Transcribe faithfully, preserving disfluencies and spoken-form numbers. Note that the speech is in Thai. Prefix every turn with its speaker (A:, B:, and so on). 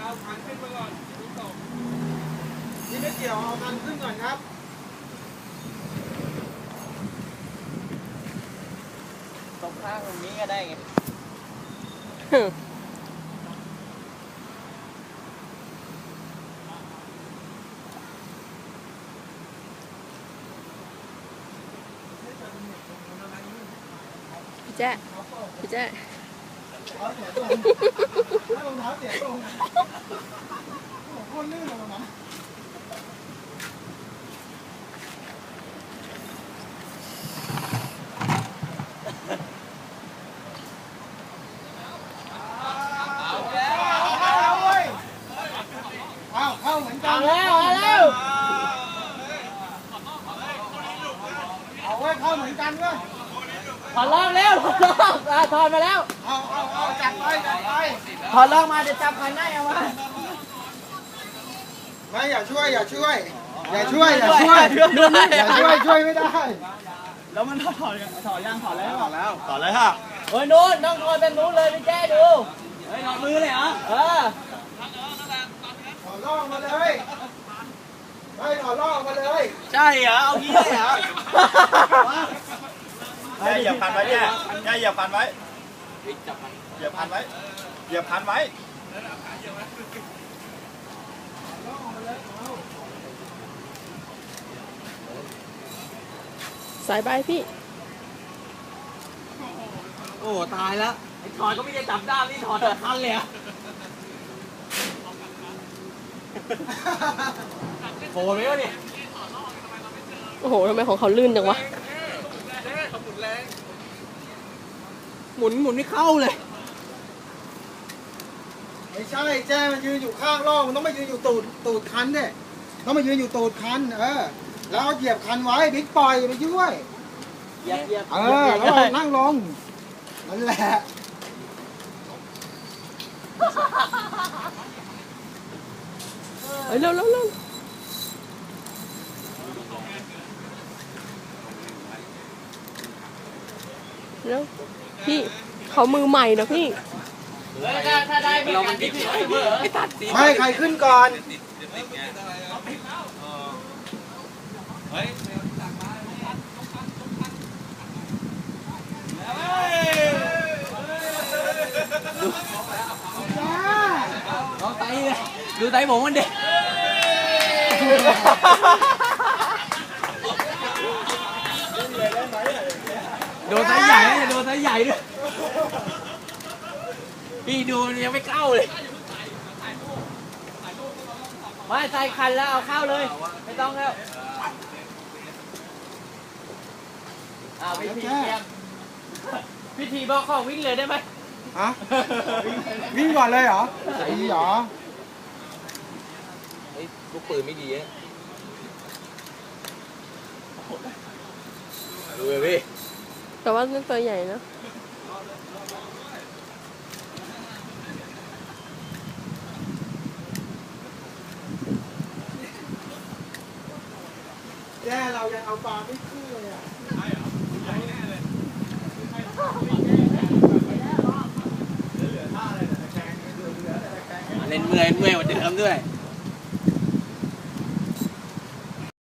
A: เอาคันขึ้นมาก่อนนี่ตก
B: นี่ไม่เกี่ยวเอาคันขึ้นก่อนครับ
C: ตรงข้างตรงนี้ก็ได้ไง
D: พี่แจ๊พี่แจ๊
B: รองเท้าเสียตรงโคตรลื่นเลยนะเอาเข้าเหมือนกันแล้วเอาแล้วเอาไว้เข้าเหมือนกันเว้ย
C: ถอดลอกแล้วถอดลอกอ่ะถอดมาแล้ว
B: เอาเอาเอาจัดไปจัดไป
C: ถอดลอกมาจะจับคันได้เอามา
B: ไม่อย่าช่วยอย่าช่วยอย่าช่วยอย่าช่วยอย่าช่วยช่วยไม่ได้
C: แล้วมันถอดถอดถอดยังถอดแล้ว
B: ต่อแล้ว
A: ต่อเลยฮะ
C: เฮ้ยนู้นต้องถอดแบบนู้นเลยพี่แจ้ดูเฮ้ยถอดมือเลยเหรอเออ
B: ถอดล่องมาเลยไม่ถอดล่องมาเลย
C: ใช่เหรอเอางี้เลยเหรอ
A: แย่เหยียบพันไว้แย่แย่เหยียบพันไว้เหยียบพันไว้เหยียบพันไว้
D: สายใบพี่
C: โอ้ตายแล้วไอ้ถอดก็ไม่ได้จับด้ามนี่ถอดแต่คันเลยอะโผล่ไหมวะเนี่ย
D: โอ้โหทำไมของเขาลื่นจังวะ
C: หมุนหมุนไม่เข้าเลย
B: ไม่ใช่แจ้มันยืนอยู่ข้างล่องมันต้องมายืนอยู่ตูดตูดคันเนี่ยต้องมายืนอยู่ตูดคันเออแล้วเอาเหยียบคันไว้บิ๊กปล่อยไปช่วย
C: เหยียบเหยียบ
B: เออแล้วนั่งลงนั่นแหละ
D: เฮ้ยเร็วเร็วเร็วเร็วพี่เขามือใหม่นะพี่
C: ถ้าถ้าได้เรามันดิบไอ้ตัด
B: ไม่ใครขึ้นก่อน
C: ลองไตเลยดูไตผมมันดิโดนไซส์ใหญ่เลยโดนไซส์ใหญ่ด้วยพี่ดูยังไม่เข้าเลยไม่ใส่คันแล้วเอาเข้าเลยไม่ต้องแล้วอ้าวพิธีเตรียมพิธีบอกของวิ่งเลยได้ไหม
B: ฮะวิ่งก่อนเลยเหรอไอ้เหรอ
C: เฮ้ยลูกปืนไม่ดีนะดูเลยพี่
D: แต่ว่านั่นตัวใหญ่นะ
B: แจ้เรายังเอาปลาไม่ขึ้นเลยอ่ะ
C: เล่นเมื่อยเมื่อยกว่าเดิมด้วย